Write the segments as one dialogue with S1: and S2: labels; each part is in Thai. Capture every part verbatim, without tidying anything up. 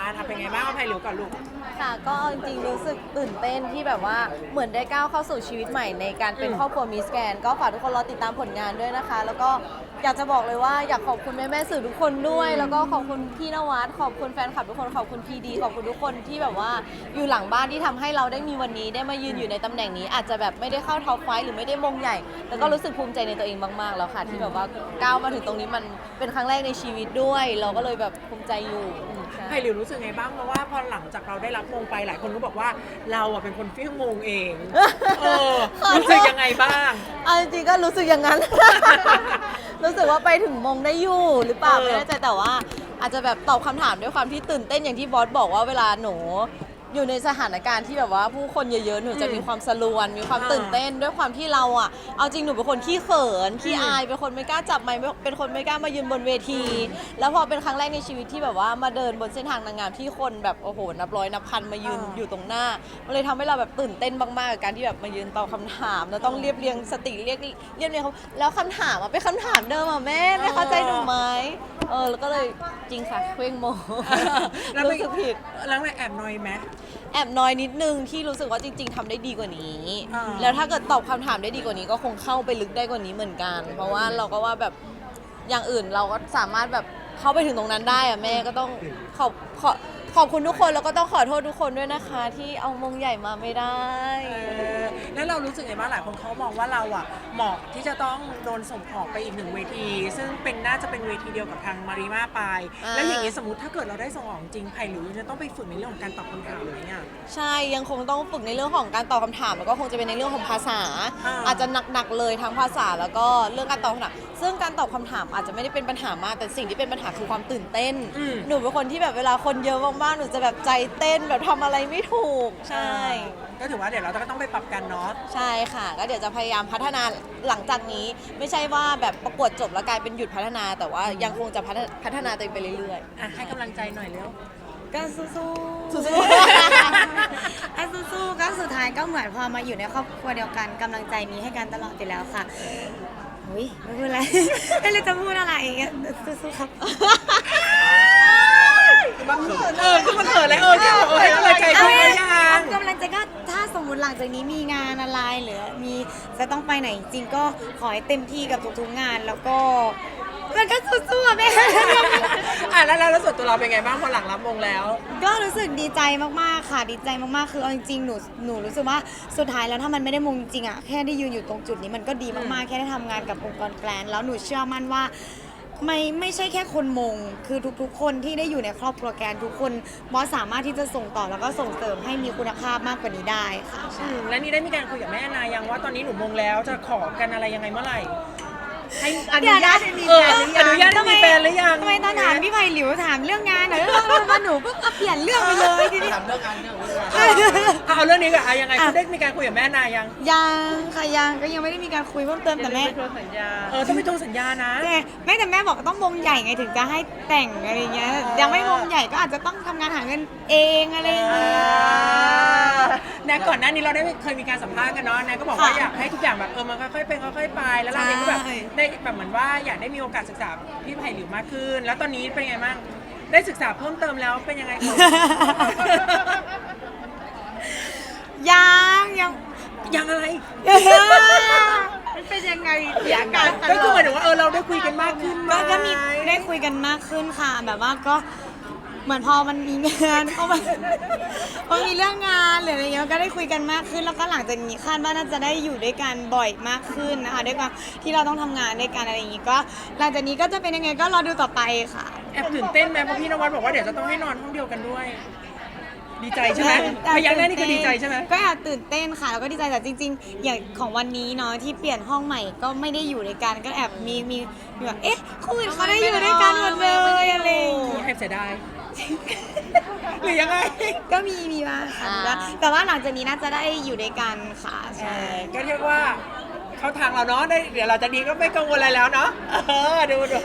S1: านอ่ะเป็นไงบ้างเอาไผ่หลิวก่อนลูก
S2: ค่ะก็จริงๆรู้สึกตื่นเต้นที่แบบว่าเหมือนได้ก้าวเข้าสู่ชีวิตใหม่ในการเป็นครอบครัวมิสแกรนด์ก็ฝากทุกคนรอติดตามผลงานด้วยนะคะ แล้วก็อยากจะบอกเลยว่าอยากขอบคุณแม่แม่ๆสื่อทุกคนด้วย แล้วก็ขอบคุณพี่นวัดขอบคุณแฟนคลับทุกคนขอบคุณพีดีขอบคุณทุกคนที่แบบว่าอยู่หลังบ้านที่ทำให้เราได้มีวันนี้ได้มายืนอยู่ในตำแหน่งนี้ อาจจะแบบไม่ได้เข้าท็อปไฟว์หรือไม่ได้มงใหญ่แต่ก็รู้สึกภูมิใจในตัวเองมากๆแล้วค่ะที่แบบว่าก้าวมาถึงตรงนี้มันเป็นครั้งแรกในชีวิตด้วย เราก็เลยแบบภูมิใจอยู่ใช่
S1: ไผ่หลิวรู้สึกไงบ้างเพราะว่าพอหลังจากเราได้รับมงไปหลายคนก็บอกว่าเราอ่ะเป็นคนเฟี้ยงมงเองเออรู้สึกยังไงบ้าง
S2: เอาจริงๆก็รู้สึกอย่างนั้น รู้สึกว่าไปถึงมงได้อยู่หรือเปล่า
S1: เออ
S2: ไม่แน่ใจแต่ว่าอาจจะแบบตอบคำถามด้วยความที่ตื่นเต้นอย่างที่บอสบอกว่าเวลาหนูอยู่ในสถานการณ์ที่แบบว่าผู้คนเยอะๆหนูจะมีความสลวนมีความตื่นเต้นด้วยความที่เราอ่ะเอาจริงหนูเป็นคนขี้เขินขี้อายเป็นคนไม่กล้าจับไมค์เป็นคนไม่กล้ามายืนบนเวที แล้วพอเป็นครั้งแรกในชีวิตที่แบบว่ามาเดินบนเส้นทางนางงามที่คนแบบโอ้โหนับร้อยนับพันมายืนอยู่ตรงหน้ามันเลยทำให้เราแบบตื่นเต้นมากๆกับการที่แบบมายืนตอบคำถามแล้วต้องเรียบเรียงสติเรียกเรียบเรียงเขาแล้วคำถามอ่ะเป็นคำถามเดิมอ่ะแม่ไม่เข้าใจหนูไหมเออแล้วก็เลยจริงค่ะเคว้งโม รู้สึกผิด
S1: แล้วไม่แอบนอยไหม
S2: แอบน้อยนิดนึงที่รู้สึกว่าจริง ๆทำได้ดีกว่านี้
S1: อ่า
S2: แล้วถ้าเกิดตอบคำถามได้ดีกว่านี้ก็คงเข้าไปลึกได้กว่านี้เหมือนกัน เพราะว่าเราก็ว่าแบบอย่างอื่นเราก็สามารถแบบเข้าไปถึงตรงนั้นได้อะแม่ก็ต้องขอบขอขอบคุณทุกคนแล้วก็ต้องขอโทษทุกคนด้วยนะคะ ที่เอามงใหญ่มาไม่ได้
S1: เออแล้วเรารู้สึกไงบ้างหลายคนเขามองว่าเราอ่ะเหมาะที่จะต้องโดนส่งออกไปอีกหนึ่งเวที ซึ่งเป็นน่าจะเป็นเวทีเดียวกับทางมาริมาไป
S2: อ่า
S1: แล้วอย่างนี้สมมติถ้าเกิดเราได้ส่งออกจริงไผ่หลิวจะต้องไปฝึกในเรื่องของการตอบคำถามไหมอ่ะ
S2: ใช่ยังคงต้องฝึกในเรื่องของการตอบคำถามแล้วก็คงจะเป็นในเรื่องของภาษา
S1: อ่า
S2: อาจจะหนักๆเลยทั้งภาษาแล้วก็เรื่องการตอบคำถามซึ่งการตอบคำถามอาจจะไม่ได้เป็นปัญหามากแต่สิ่งที่เป็นปัญหาคือความตื่นเต้น
S1: อืม
S2: หนูเป็นคนที่แบบเวลาคนเยอะมากๆหนูจะแบบใจเต้นแบบทำอะไรไม่ถูกใช่
S1: ก็ถือว่าเดี๋ยวเราก็ต้องไปปรับกันเนาะ
S2: ใช่ค่ะก็เดี๋ยวจะพยายามพัฒนาหลังจากนี้ ไม่ใช่ว่าแบบประกวดจบแล้วกลายเป็นหยุดพัฒนา แต่ว่ายังคงจะพัฒนาพัฒนาตัวเองไปเรื่อยๆ
S1: อ่ะให้กำลังใจหน่อยเร็ว
S3: ก็สู้ๆ
S2: สู้
S3: ไอ้สู้ๆก็สุดท้ายก็เหมือนพอมาอยู่ในครอบครัวเดียวกันกำลังใจมีให้กันตลอดอยู่แล้วค่ะอุ้ยไม่พูดอะไร ไม่รู้จะพูดอะไรสู้ๆครับ
S1: เออคือมันเขินเลยเออแค่บอกเออให้กำลังใจเขาไม่ยัง
S3: กำลังใจก็ถ้าสมมติหลังจากนี้มีงานอะไรหรือมีจะต้องไปไหนจริงก็ขอให้เต็มที่กับทุกๆงานแล้วก็มันก็สู้ๆอะแม่
S1: อ่ะแล้วแล้วส่วนตัวเราเป็นไงบ้างพอหลังรับมงแล้ว
S3: ก็รู้สึกดีใจมากๆค่ะดีใจมากๆคือเอาจริงๆหนูหนูรู้สึกว่าสุดท้ายแล้วถ้ามันไม่ได้มงจริงๆอ่ะแค่ได้ยืนอยู่ตรงจุดนี้มันก็ดีมากๆแค่ได้ทำงานกับองค์กรแกรนด์แล้วหนูเชื่อมั่นว่าไม่ไม่ใช่แค่คนมงคือทุกๆคนที่ได้อยู่ในครอบครัวแกรนด์ทุกคนบอสสามารถที่จะส่งต่อแล้วก็ส่งเสริมให้มีคุณภาพมากกว่านี้ได้ค่ะ
S1: อืมแล้วนี่ได้มีการคุยกับแม่นายังว่าตอนนี้หนูมงแล้วจะขอกันอะไรยังไงเมื่อไหร่ให้อนุญาตให้มีแฟนหรือยังอนุญาตให้มีแฟนหรือยัง
S3: ทำไมตอนถามพี่ไผ่หลิวถามเรื่องงานหน่อยแล้วมาหนูปุ๊บเปลี่ยนเรื่องไปเลยทีนี้
S1: ถามเรื่องงานเรื่องเอาเรื่องนี้ก่อนอะยังไงคุณได้มีการคุยกับแม่นายัง
S3: ยังค่ะยังก็ยังไม่ได้มีการคุยเพิ่มเติมแต่แม่
S1: เออต้องไปทวงสัญญานะ
S3: แต่แม่แต่แม่บอกต้องวงใหญ่ไงถึงจะให้แต่งอะไรเงี้ยยังไม่วงใหญ่ก็อาจจะต้องทำงานหาเงินเองอะไรอย่างเงี้ย
S1: แนก่อนหน้านี้เราได้เคยมีการสัมภาษณ์กันเนาะแนก็บอกว่าอยากให้ทุกอย่างแบบเออมันค่อยๆเป็นค่อยๆไปแล้วเราเองก็แบบได้แบบเหมือนว่าอยากได้มีโอกาสศึกษาพี่ไผ่หลิวมากขึ้น แล้วตอนนี้เป็นไงบ้างได้ศึกษาเพิ่มเติมแล้วเป็นยังไง
S3: ยังยัง
S1: ยังอะไร
S3: มันเป็นยังไง
S1: อยากกันก็คือหมายถึงว่าเออเราได้คุยกันมากขึ้นไห
S3: ก็ก็มีได้คุยกันมากขึ้นค่ะ แบบว่าก็เหมือนพอมันมีงานพอมันพอมีเรื่องงานหรืออะไรเงี้ยก็ได้คุยกันมากขึ้น แล้วก็หลังจากนี้คาดว่าน่าจะได้อยู่ด้วยกันบ่อยมากขึ้นนะคะด้วยความที่เราต้องทำงานด้วยกันอะไรอย่างงี้ก็หลังจากนี้ก็จะเป็นยังไงก็รอดูต่อไปค่ะ
S1: แอบตื่นเต้นไหมเพราะพี่นวัดบอกว่าเดี๋ยวจะต้องให้นอนห้องเดียวกันด้วย ดีใจใช่ไหมพยักหน้านี่คือดีใจใช่ไหม
S3: ก็แอบตื่นเต้นค่ะแล้วก็ดีใจแต่จริงๆ อย่างของวันนี้เนาะที่เปลี่ยนห้องใหม่ก็ไม่ได้อยู่ด้วยกันก็แอบมีมีมีแบบเอ๊ะคู่อื่นเขาได้อยู่ด้วยกันหมดเลยอะไรอย่างเงี้ย
S1: แอบเสียดาย หรือยังไง
S3: ก็มีมีบ้างค่ะแล้วแต่ว่าหลังจากนี้น่าจะได้อยู่ด้วยกันค่ะใช่
S1: ก็เรียกว่าเข้าทางเราเนาะได้เดี๋ยวเราจะดีก็ไม่กังวลอะไรแล้วเนาะเออดูดู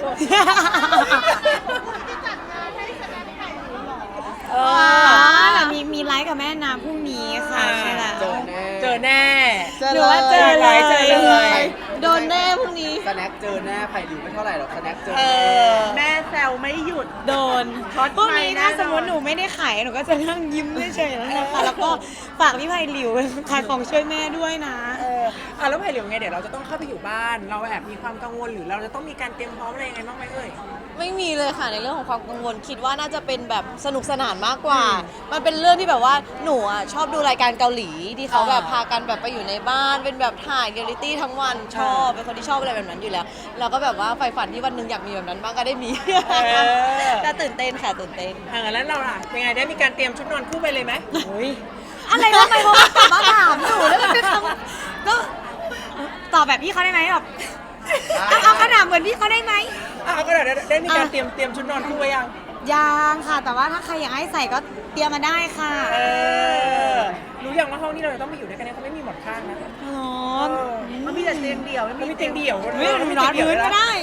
S1: เอ
S3: อ๋อ
S1: อ
S3: แต่มีมีไลฟ์กับแม่นาพรุ่งนี้ค่ะใช่แล้ว
S1: เจอแน่
S2: เจอ
S3: หรือว่าเจอเลย
S1: เจอเลย
S2: โดนแน่พรุ่งนี้
S4: แฟแน็คเจอแน่ไผ่หลิวไม่เท่าไหร่หรอกสแน็คเจอ
S1: เอ
S4: แน่
S1: อ
S5: แม่แซวไม่หยุด
S3: โดน
S5: ช็อต
S3: พวก
S5: ไฟ
S3: นี้
S5: แน่
S3: ถ้าน
S5: อน
S3: สมมติหนูไม่ได้ขายหนูก็จะนั่งยิ้มเฉยๆแล้วนะคะแล้วก็ฝากพี่ไผ่หลิวขายของช่วยแม่ด้วยนะ
S1: เอออ่ะแล้วไผ่เหลียวไงเดี๋ยวเราจะต้องเข้าไปอยู่บ้าน เราแอบมีความกังวลหรือเราจะต้องมีการเตรียมพร้อมอะไรยังไงบ้างไหมเอ่ย
S2: ไม่มีเลยค่ะในเรื่องของความกังวลคิดว่าน่าจะเป็นแบบสนุกสนานมากกว่า มันเป็นเรื่องที่แบบว่าหนูอ่ะชอบดูรายการเกาหลีที่เขาแบบพากันแบบไปอยู่ในบ้านเป็นแบบถ่ายเรียลลิตี้ทั้งวันชอบเป็นคนที่ชอบอะไรแบบนั้นอยู่แล้วเราก็แบบว่าใฝ่ฝันที่วันหนึ่งอยากมีแบบนั้นบ้างก็ได้มี
S1: อ
S2: แต่ตื่นเต้นค่ะตื่นเต้น
S1: อ่าแล้วเราล่ะยังไงได้มีการเตรียมชุดนอนคู่ไปเลยไหม
S3: อะไรทำไมเขากลับมาถามหนูแล้วมันเป็นคำก็ตอบแบบพี่เขาได้ไหมแบบเอาเอาคำถามเหมือนพี่เขาได้ไหม
S1: อ่ะก็เดี๋ยวได้มีการเตรียมเตรียมชุดนอนคู่ไว้ยัง
S3: ยังค่ะ แต่ว่าถ้าใครอยากให้ใส่ก็เตรียมมาได้ค่ะ
S1: เออรู้ยังว่าห้องที่เราจะต้องไปอยู่ด้วยกันเนี่ยเขาไม่มีหมอนข้างนะ
S3: อ๋อ
S5: มันมีแต่เตียงเดี่ยวไม่
S1: มัน
S5: มี
S1: มีเตียงเดี่ยว
S3: เฮ้ยหนูนอนพื้นก็ได้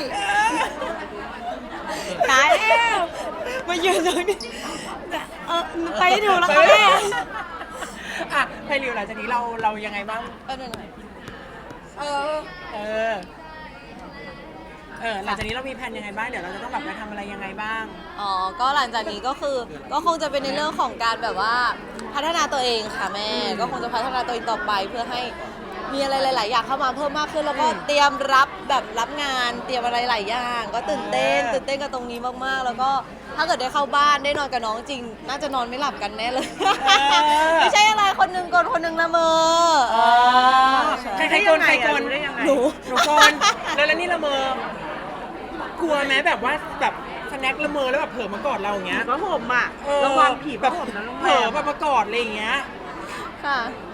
S3: ตายแล้วมายืนตรงนี้เออไปให้ถูกแล้วค่ะแม่
S1: อ่ะไพลิวหลังจากนี้เราเรายังไงบ้าง
S2: ก็หน่อย
S1: เออ เออ เออ หลังจากนี้เรามีแผนยังไงบ้าง เดี๋ยวเราจะต้องแบบไปทำอะไรยังไงบ้าง
S2: อ๋อ ก็หลังจากนี้ก็คือ ก็คงจะเป็นในเรื่องของการแบบว่าพัฒนาตัวเองค่ะแม่ ก็คงจะพัฒนาตัวเองต่อไปเพื่อให้มีอะไรหลาย ๆ อย่างเข้ามาเพิ่มมากขึ้น แล้วก็เตรียมรับแบบรับงาน เตรียมอะไรหลายอย่าง ก็ตื่นเต้น
S1: อ่า
S2: ตื่นเต้นกับตรงนี้มาก ๆ แล้วก็ถ้าเกิดได้เข้าบ้านได้นอนกับน้องจริง น่าจะนอนไม่หลับกันแน่เลย ไม่ใช่อะไร คนหนึงกลนคนหนึงละเมออ๋อ
S1: ใครใครโกนใครโกน
S5: ได้ยังไง
S1: หนู หนูโกนแล้วแล้วนี่ละเมอ กลัวไหมแบบว่าแบบสแน็คละเมอแล้วแบบเผลอมากอดเราอย่างเงี้ย
S5: ก็ห่มอ่ะ
S1: เออ
S5: ระวังผี
S1: แบบ
S5: ห่มนะลูก
S1: เผลอแบบมากอดอะไรอย่างเงี้ย
S2: ค่ะ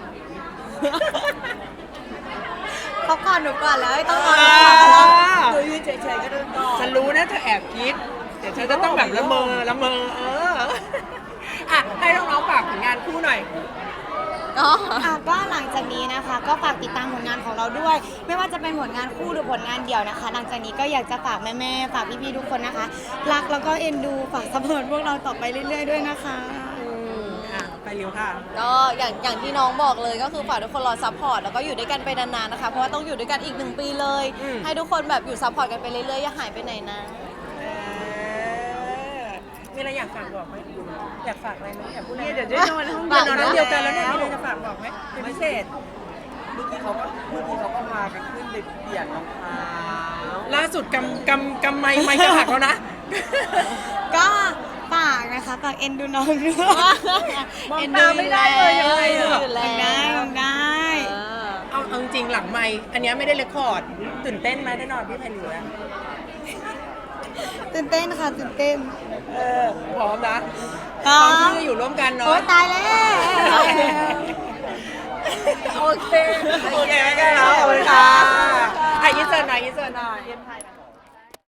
S3: เขาก่อนหนูก่อนแล้วไม่ต้องนอน
S1: อ่า
S5: หนูยืนเฉยๆก็เดินต่อ
S1: ฉันรู้นะเธอแอบคิด เดี๋ยวเธอจะต้องแบบละเมอละเมอ เออ อ่ะ ให้น้องๆฝากผลงานคู่หน่อย
S2: อ๋อ
S3: อ่ะก็หลังจากนี้นะคะ ก็ฝากติดตามผลงานของเราด้วย ไม่ว่าจะเป็นผลงานคู่หรือผลงานเดี่ยวนะคะ หลังจากนี้ก็อยากจะฝากแม่ๆฝากพี่ๆทุกคนนะคะ รักแล้วก็เอ็นดูฝากสปอร์ตพวกเราต่อไปเรื่อยๆด้วยนะคะ
S1: อ่ะ ไปเร็วค่ะ
S2: ก็อย่างอย่างที่น้องบอกเลยก็คือฝากทุกคนรอซัพพอร์ตแล้วก็อยู่ด้วยกันไปนานๆนะคะเพราะว่าต้องอยู่ด้วยกันอีกหนึ่งปีเลย
S1: อืม
S2: ให้ทุกคนแบบอยู่ซัพพอร์ตกันไปเรื่อยๆอย่าหายไปไหนนะ
S1: เออมีอะไรอยากฝากบอกไหมอยากฝากอะไรไหมอยากพูดอะไร
S5: เนี่ย
S1: ไหม
S5: เดี๋ยวจะนอนห้อง
S1: เดี๋
S5: เดี
S1: ย
S5: ยว วน
S1: อน
S5: นะ
S1: น้ำเดียวกันแล้วเนี่ยมีอะไรจะฝากบอกไหมเป็นพิเศษ
S4: เมื่อกี้เขาก็เมื่อกี้เขาก็พากันขึ้นไปเปลี่ยนรองเท้า
S1: ล่าสุดกำกำกำไม้ไม้จะหักแล้วนะ
S3: ก็ฝากนะคะฝากเอ็นดูน้องด้วย
S5: มองตาไม่ได้เลยยังไง
S2: เอ็น
S5: อะ
S2: ดูอยู่แล้
S3: ได้
S2: ว
S3: ได้
S2: เออ
S1: เอาเอาจริงๆหลังไม้อันเนี้ยไม่ได้เรคคอร์ด ตื่นเต้นไหมได้นอนพี่ไพลิวแล้ว
S3: ตื่นเต้นค่ะตื่นเต้น
S1: เออพร้อมนะ
S3: พร้อม
S1: ที่จะอยู่ร่วมกันเนาะ
S3: โอ๊ยตายแล้ว
S1: โอเค โอเคไม่กันแล้วขอบคุณค่ะอ่ะยินเสิร์ตหน่อยยินเสิร์ตหน่อย
S5: เย็นไท